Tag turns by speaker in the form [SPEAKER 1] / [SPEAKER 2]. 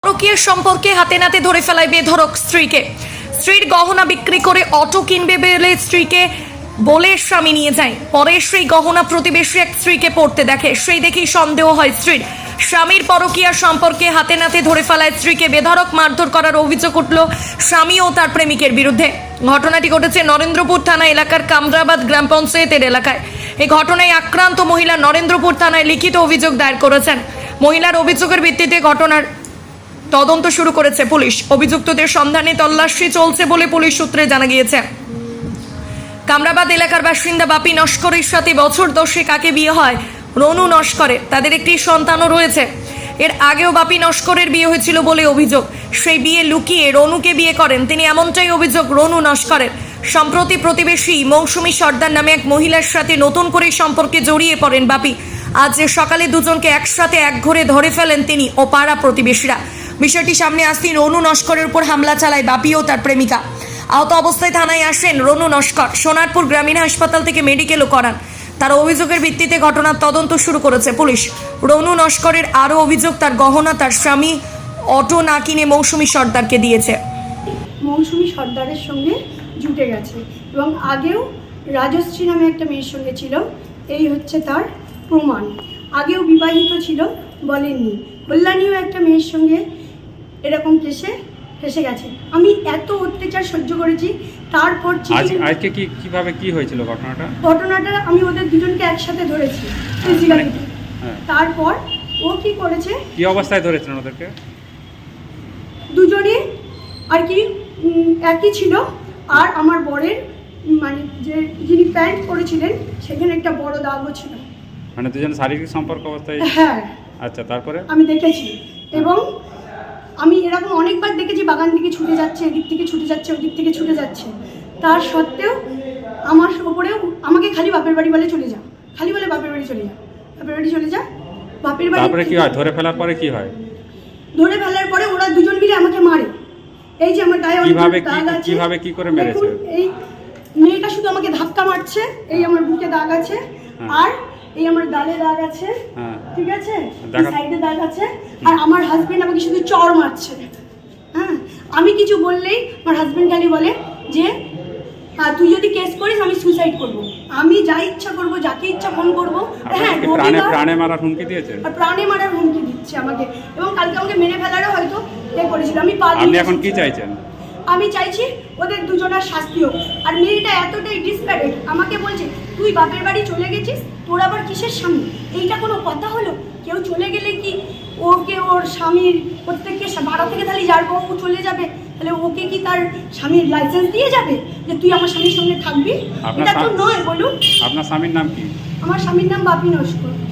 [SPEAKER 1] পরকীয়ার সম্পর্কে হাতে নাতে ধরে ফেলায় বেধড়ক স্ত্রীকে। স্ত্রীর গহনা বিক্রি করে অটো কিনবে বলে স্ত্রীকে বলে স্বামী নিয়ে যায়। পরে সেই গহনা প্রতিবেশী এক স্ত্রীকে পড়তে দেখে, সেই দেখেই সন্দেহ হয় স্ত্রীর। স্বামীর পরকীয়ার সম্পর্কে হাতে নাতে ধরে ফেলায় স্ত্রীকে বেধড়ক মারধর করার অভিযোগ উঠল স্বামী ও তার প্রেমিকের বিরুদ্ধে। ঘটনাটি ঘটেছে নরেন্দ্রপুর থানা এলাকার কামরাবাদ গ্রাম পঞ্চায়েতের এলাকায়। এই ঘটনায় আক্রান্ত মহিলা নরেন্দ্রপুর থানায় লিখিত অভিযোগ দায়ের করেছেন। মহিলার অভিযোগের ভিত্তিতে ঘটনার তদন্ত শুরু করেছে পুলিশ। অভিযুক্তদের সন্ধানে তল্লাশি চলছে বলে পুলিশ সূত্রে জানা গিয়েছে। কামরাবাদ এলাকার বাসিন্দা বাপি নস্করের সাথে বছর 10 আগে বিয়ে হয় রনু নস্করের। তাদের একটি সন্তানও রয়েছে। এর আগেও বাপি নস্করের বিয়ে হয়েছিল বলে অভিযোগ। সেই বিয়ে লুকিয়ে রনুকে বিয়ে করেন তিনি, এমনটাই অভিযোগ রনু নস্করের। সম্প্রতি প্রতিবেশী মৌসুমী সর্দার নামে এক মহিলার সাথে নতুন করে সম্পর্কে জড়িয়ে পড়েন বাপি। আজ সকালে দুজনকে একসাথে একঘরে ধরে ফেলেন তিনি ও পাড়া প্রতিবেশীরা। বিষয়টি সামনে আসতেই রনু নস্করের উপর হামলা চালায় বাপি ও তার প্রেমিকা। আহত অবস্থায় থানায় আসেন রনু নস্কর। সোনারপুর গ্রামীণ হাসপাতাল থেকে মেডিকেলও করান। তার অভিযোগের ভিত্তিতে ঘটনার তদন্ত শুরু করেছে পুলিশ। রনু নস্করের আরও অভিযোগ, তার গহনা তার স্বামী অটো না কিনে মৌসুমী সর্দারকে দিয়েছে।
[SPEAKER 2] মৌসুমী সর্দারের সঙ্গে জুটে গেছে এবং আগেও রাজশ্রী নামে একটা মেয়ের সঙ্গে ছিল। এই হচ্ছে তার প্রমাণ। আগেও বিবাহিত ছিল, বলেননি। কল্যাণীও একটা মেয়ের সঙ্গে এরকম ফেসে গেছে। আমি এত অত্যাচার সহ্য করেছি। তারপর
[SPEAKER 3] আজকে কিভাবে কি হয়েছিল ঘটনাটা
[SPEAKER 2] আমি ওদের দুজনকে একসাথে ধরেছি ফিজিক্যালিটি। তারপর ও কি করেছে,
[SPEAKER 3] কি অবস্থায় ধরেছেন ওদেরকে?
[SPEAKER 2] দুজনে আর কি একই ছিল। আর আমার বরের মানে যিনি প্যান্ট পরেছিলেন সেখানে একটা বড় দাগও ছিল।
[SPEAKER 3] মানে দুজন শারীরিক সম্পর্ক অবস্থায়?
[SPEAKER 2] হ্যাঁ।
[SPEAKER 3] আচ্ছা, তারপরে আমি
[SPEAKER 2] দেখেছি এবং আমি এরকম অনেকবার দেখেছি, বাগান থেকে ছুটে যাচ্ছে, এদিক থেকে ছুটে যাচ্ছে, ওদিক থেকে ছুটে যাচ্ছে। তার সত্ত্বেও আমার ওপরেও আমাকে খালি বাপের বাড়ি বলে চলে যা, খালি বলে বাপের বাড়ি চলে যা, বাপের বাড়ি চলে যা, বাপের বাড়ি।
[SPEAKER 3] তারপরে কি হয়? ধরে ফেলার পরে কি হয়?
[SPEAKER 2] ধরে ফেলার পরে ওরা দুজন মিলে আমাকে মারে। এই যে আমার গায়ে
[SPEAKER 3] কিভাবে কি করে মেরেছে?
[SPEAKER 2] এই মেয়েটা শুধু আমাকে ধাক্কা মারছে, এই আমার বুকে দাগ আছে, আর এই আমার গালে দাগ আছে, ঠিক আছে, সাইডে দাগ আছে। আর আমার হাজবেন্ড আমাকে শুধু চড় মারছে। হ্যাঁ, আমি কিছু বললেই আমার হাজবেন্ড খালি বলে যে তুই যদি কেস করিস আমি সুইসাইড করব, আমি যা ইচ্ছা করব, যাকে ইচ্ছা ফোন করব। হ্যাঁ,
[SPEAKER 3] প্রাণে মারার হুমকি দিয়েছে।
[SPEAKER 2] আর প্রাণে মারার হুমকি দিচ্ছে আমাকে, এবং কালকে আমাকে মেরে ফেলারও হয়তো করেছিল।
[SPEAKER 3] আপনি এখন কি চাইছেন?
[SPEAKER 2] আমি চাইছি ওদের দুজনের শাস্তি হোক। আর মেয়েটা এতটাই ডিসপ্যারেট, আমাকে বলছে তুই বাপের বাড়ি চলে গেছিস, তোর আবার কিসের স্বামী? এইটা কোনো কথা হলো? কেউ চলে গেলে কি ওকে ওর স্বামীর প্রত্যেককে ভাড়া থেকে তাহলে যার বউ চলে যাবে, তাহলে ওকে কি তার স্বামীর লাইসেন্স দিয়ে যাবে যে তুই আমার স্বামীর সঙ্গে থাকবি? এটা তো নয়, বলুন।
[SPEAKER 3] আপনার স্বামীর নাম কি?
[SPEAKER 2] আমার স্বামীর নাম বাপি নস্কর।